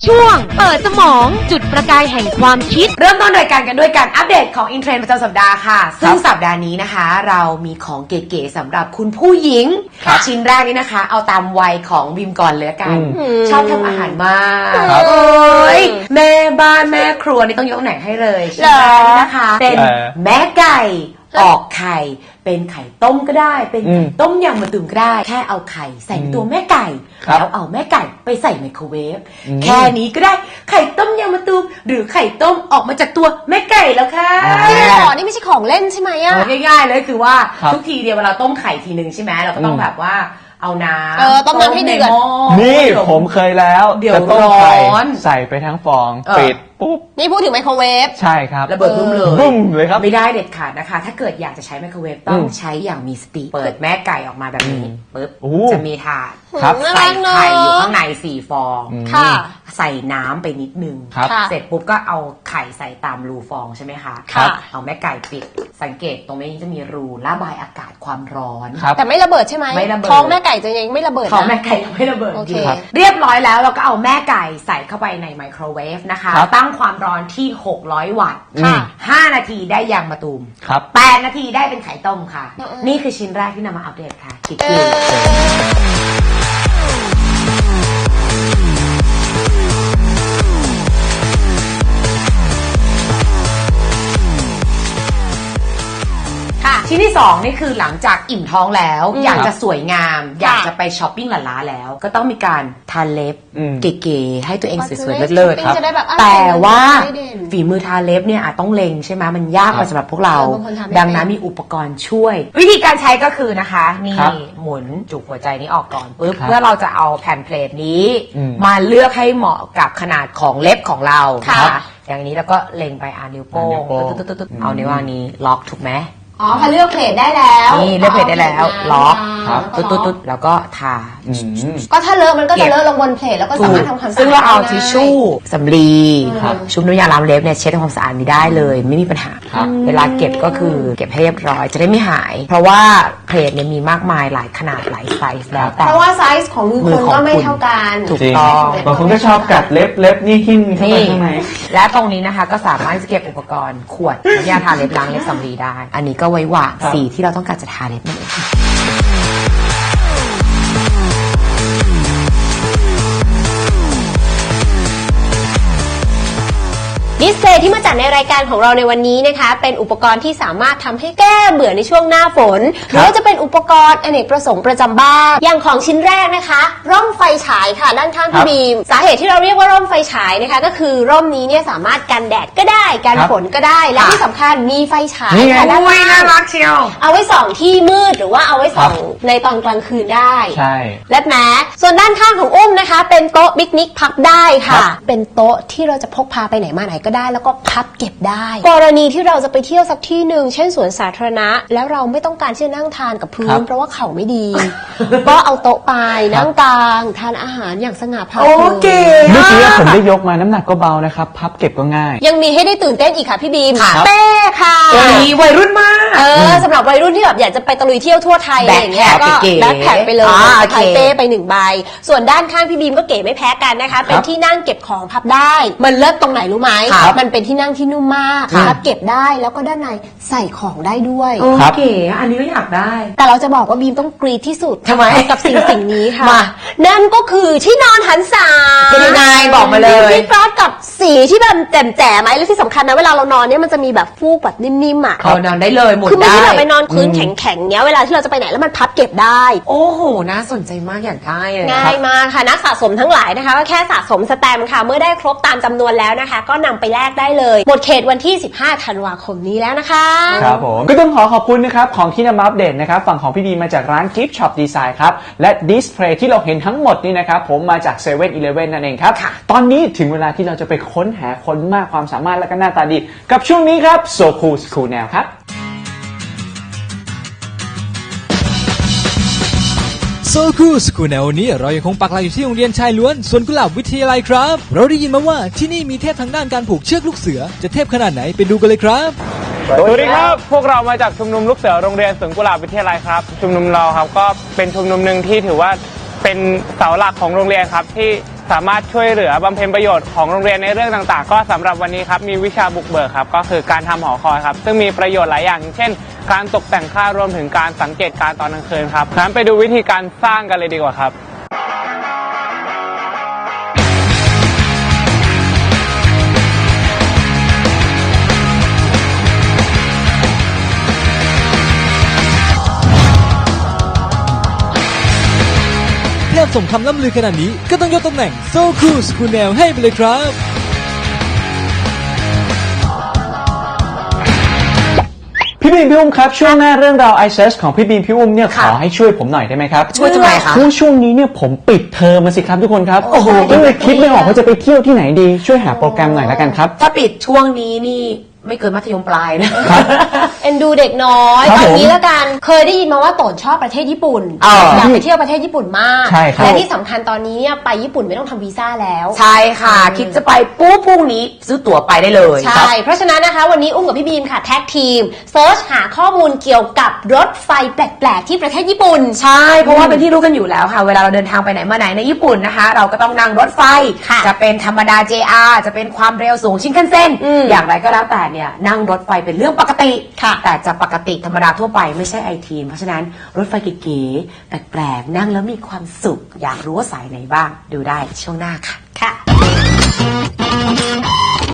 ช่วงเปิดสมองจุดประกายแห่งความคิดเริ่มต้นรายการกันด้วยการอัปเดตของอินเทรนด์ประจำสัปดาห์ค่ะซึ่งสัปดาห์นี้นะคะเรามีของเก๋ๆสำหรับคุณผู้หญิงชิ้นแรกนี้นะคะเอาตามวัยของบิมก่อนเลยกันชอบทำอาหารมากโอ้ยแม่บ้านแม่ครัวนี่ต้องยกไหนให้เลยชิ้นแรกนี้นะคะเป็นแม่ไก่ออกไข่เป็นไข่ต้มก็ได้เป็นไข่ต้มยำมะตูมก็ได้แค่เอาไข่ใส่ตัวแม่ไก่แล้วเอาแม่ไก่ไปใส่ไมโครเวฟแค่นี้ก็ได้ไข่ต้มยำมะตูมหรือไข่ต้มออกมาจากตัวแม่ไก่แล้วค่ะนี่ไม่ใช่ของเล่นใช่ไหมอะง่ายๆเลยคือว่าทุกทีเดียวเวลาต้มไข่ทีนึงใช่ไหมเราก็ต้องแบบว่าเอาน้ำต้มน้ำให้เดือดนี่ผมเคยแล้วจะต้มไข่ใส่ไปทั้งฟองปิดปุ๊บนี่พูดถึงไมโครเวฟใช่ครับระเบิดบุ้มเลยครับไม่ได้เด็ดขาดนะคะถ้าเกิดอยากจะใช้ไมโครเวฟต้องใช้อย่างมีสติเปิดแม่ไก่ออกมาแบบนี้ปุ๊บจะมีถาดใส่ไข่อยู่ข้างใน4 ฟองใส่น้ำไปนิดนึงเสร็จปุ๊บก็เอาไข่ใส่ตามรูฟองใช่ไหมคะเอาแม่ไก่ปิดสังเกตตรงนี้จะมีรูระบายอากาศความร้อนแต่ไม่ระเบิดใช่ไหมท้องแม่ไก่จะยังไม่ระเบิดท้องแม่ไก่ยังไม่ระเบิดเรียบร้อยแล้วเราก็เอาแม่ไก่ใส่เข้าไปในไมโครเวฟนะคะตั้งความร้อนที่600 วัตต์5 นาทีได้ยางมะตูม8 นาทีได้เป็นไข่ต้มค่ะนี่คือชิ้นแรกที่นำมาอัปเดตค่ะคิดดูชิ้นที่2นี่คือหลังจากอิ่มท้องแล้วอยากจะสวยงามอยากจะไปช้อปปิ้งหล้าๆแล้วก็ต้องมีการทาเล็บเก๋ๆให้ตัวเองสวยๆเลิศๆครับแต่ว่าฝีมือทาเล็บเนี่ยอาจต้องเล็งใช่ไหมมันยากไปสำหรับพวกเราดังนั้นมีอุปกรณ์ช่วยวิธีการใช้ก็คือนะคะนี่หมุนจุกหัวใจนี้ออกก่อนปุ๊บเพื่อเราจะเอาแผ่นเพลทนี้มาเลือกให้เหมาะกับขนาดของเล็บของเราค่ะอย่างนี้แล้วก็เล็งไปนิ้วโป้งเอานิ้ววางนี้ล็อกถูกไหมพอเลือกเพลทได้แล้วนี่เลือกเพลทได้แล้วล็อกตุ๊ดแล้วก็ทาก็ถ้าเลอะมันก็จะเลอะลงบนเพลทแล้วก็สามารถทำความสะอาดซึ่งเราเอาทิชชู่สำลีชุบน้ำยาล้างเล็บเนี่ยเช็ดทำความสะอาดนี้ได้เลยไม่มีปัญหาเวลาเก็บก็คือเก็บให้เรียบร้อยจะได้ไม่หายเพราะว่าเพลทเนี่ยมีมากมายหลายขนาดหลายไซส์แล้วแต่เพราะว่าไซส์ของมือคนก็ไม่เท่ากันถูกต้องบางคนก็ชอบกัดเล็บนี่หิ้นเข้าไปข้างในและตรงนี้นะคะก็สามารถเก็บอุปกรณ์ขวดน้ำยาทาเล็บล้างเล็บสำลีได้อันนี้ก็ไว้วางสีที่เราต้องการจะทาเล็บนั่นเองดิสเพลย์ที่มาจัดในรายการของเราในวันนี้นะคะเป็นอุปกรณ์ที่สามารถทำให้แก้เบื่อในช่วงหน้าฝนหรือว่าจะเป็นอุปกรณ์อเนกประสงค์ประจำบ้านอย่างของชิ้นแรกนะคะร่มไฟฉายค่ะด้านข้างพี่บีมสาเหตุที่เราเรียกว่าร่มไฟฉายนะคะก็คือร่มนี้เนี่ยสามารถกันแดดก็ได้กันฝนก็ได้และที่สำคัญมีไฟฉายค่ะด้านล่างน่ารักเชียวเอาไว้ส่องที่มืดหรือว่าเอาไว้ส่องในตอนกลางคืนได้ใช่และแม้ส่วนด้านข้างของอุ้มนะคะเป็นโต๊ะปิกนิกพับได้ค่ะเป็นโต๊ะที่เราจะพกพาไปไหนมาไหนก็ได้แล้วก็พับเก็บได้กรณีที่เราจะไปเที่ยวสักที่หนึ่งเช่นสวนสาธารณะแล้วเราไม่ต้องการที่จะนั่งทานกับพื้นเพราะว่าเข่าไม่ดีก็เอาโต๊ะไปนั่งกลางทานอาหารอย่างสง่าผ่าเผยเมื่อกี้ผมได้ยกมาน้ำหนักก็เบานะครับพับเก็บก็ง่ายยังมีให้ได้ตื่นเต้นอีกค่ะพี่บีมเป้ค่ะวัยรุ่นมากสำหรับวัยรุ่นที่แบบอยากจะไปตะลุยเที่ยวทั่วไทยอะไรอย่างเงี้ยก็แบ็คแพ็คไปเลยไทยเป้ไป1 ใบส่วนด้านข้างพี่บีมก็เก๋ไม่แพ้กันนะคะเป็นที่นั่งเก็บของพับได้มันเลิศตรงไหนรู้ไหมมันเป็นที่นั่งที่นุ่มมากพับเก็บได้แล้วก็ด้านในใส่ของได้ด้วยเก๋อันนี้ก็อยากได้แต่เราจะบอกว่าบีมต้องกรี๊ดที่สุดทำไมกับสิ่งนี้ค่ะนั่นก็คือที่นอนหันษาเป็นยังไงบอกมาเลยที่กราฟกับสีที่แบบแจ่มๆไหมและที่สำคัญนะเวลาเรานอนเนี่ยมันจะมีแบบฟูกแบบนิ่มๆอ่ะนอนได้เลยหมุนได้คือไม่ใช่แบบไปนอนพื้นแข็งๆเนี้ยเวลาที่เราจะไปไหนแล้วมันพับเก็บได้โอ้โหน่าสนใจมากอยากได้เลยง่ายมากค่ะนักสะสมทั้งหลายนะคะก็แค่สะสมสแตมป์ค่ะเมื่อได้ครบตามจำนวนแล้วนะคะก็นำไปแลกได้เลยหมดเขตวันที่15 ธันวาคมนี้แล้วนะคะครับผมก็ต้องขอบคุณนะครับของที่นำมาอัปเดตนะครับฝั่งของพี่ดีมาจากร้าน Gift Shop Design ครับและดิสเพลย์ที่เราเห็นทั้งหมดนี่นะครับผมมาจาก 7-Eleven นั่นเองครับตอนนี้ถึงเวลาที่เราจะไปค้นหาคนมากความสามารถและก็หน้าตาดีกับช่วงนี้ครับ So Cool School Now ครับโซคูสคูลในวันนี้เรายังคงปักหลักอยู่ที่โรงเรียนชายล้วนสวนกุหลาบวิทยาลัยครับเราได้ยินมาว่าที่นี่มีเทพทางด้านการผูกเชือกลูกเสือจะเทพขนาดไหนไปดูกันเลยครับสวัสดีครับพวกเรามาจากชุมนุมลูกเสือโรงเรียนสวนกุหลาบวิทยาลัยครับชุมนุมเราครับก็เป็นชุมนุมหนึ่งที่ถือว่าเป็นเสาหลักของโรงเรียนครับที่สามารถช่วยเหลือบำเพ็ญประโยชน์ของโรงเรียนในเรื่องต่างๆก็สำหรับวันนี้ครับมีวิชาบุกเบิกครับก็คือการทำหอคอยครับซึ่งมีประโยชน์หลายอย่างเช่นการตกแต่งค่ารวมถึงการสังเกตการณ์ตอนกลางคืนครับงั้นไปดูวิธีการสร้างกันเลยดีกว่าครับเทพสมคำล่ำลือขนาดนี้ก็ต้องยกตำแหน่งโซคูสกูแนลให้ไปเลยครับพี่บีมพี่อุ้มครับช่วงหน้าเรื่องราว i Search ของพี่บีมพี่อุ้มเนี่ยขค่ะอให้ช่วยผมหน่อยได้ไหมครับช่วยทำไมคะเพราะช่วงนี้เนี่ยผมปิดเทอมมาสิครับทุกคนครับโอ้โหก็เลยคิดไม่ออกว่าจะไปเที่ยวที่ไหนดีช่วยหาโปรแกรมหน่อยแล้วกันครับถ้าปิดช่วงนี้นี่ไม่เกินมัธยมปลายนะเอ็นดูเด็กน้อยครับตอนนี้ผมแล้วกันเคยได้ยินมาว่าโตนชอบประเทศญี่ปุ่นอ๋ออยากไปเที่ยวประเทศญี่ปุ่นมากใช่ครับและที่สำคัญตอนนี้เนี่ยไปญี่ปุ่นไม่ต้องทำวีซ่าแล้วใช่ค่ะ คิดจะไปปุ๊บพรุ่งนี้ซื้อตั๋วไปได้เลยใช่ เพราะฉะนั้นนะคะวันนี้อุ้มกับพี่บีมค่ะแท็กทีมเซิร์ชหาข้อมูลเกี่ยวกับรถไฟแปลกๆที่ประเทศญี่ปุ่นใช่ เพราะว่าเป็นที่รู้กันอยู่แล้วค่ะ เวลาเราเดินทางไปไหนมาไหนในญี่ปุ่นนะคะ เราก็ต้องนั่งรถไฟค่ะจะเป็นธรรมดา JR จะเป็นความเร็วสูงชินคันเซ็น อย่างไรก็แล้วแต่เนี่ยนั่งรถไฟเป็นเรื่องปกติค่ะแต่จะปกติธรรมดาทั่วไปไม่ใช่ไอทีม เพราะฉะนั้นรถไฟเก๋ๆแปลกๆนั่งแล้วมีความสุข อยากรู้ว่าสายไหนบ้าง ดูได้ช่วงหน้าค่ะค่ะ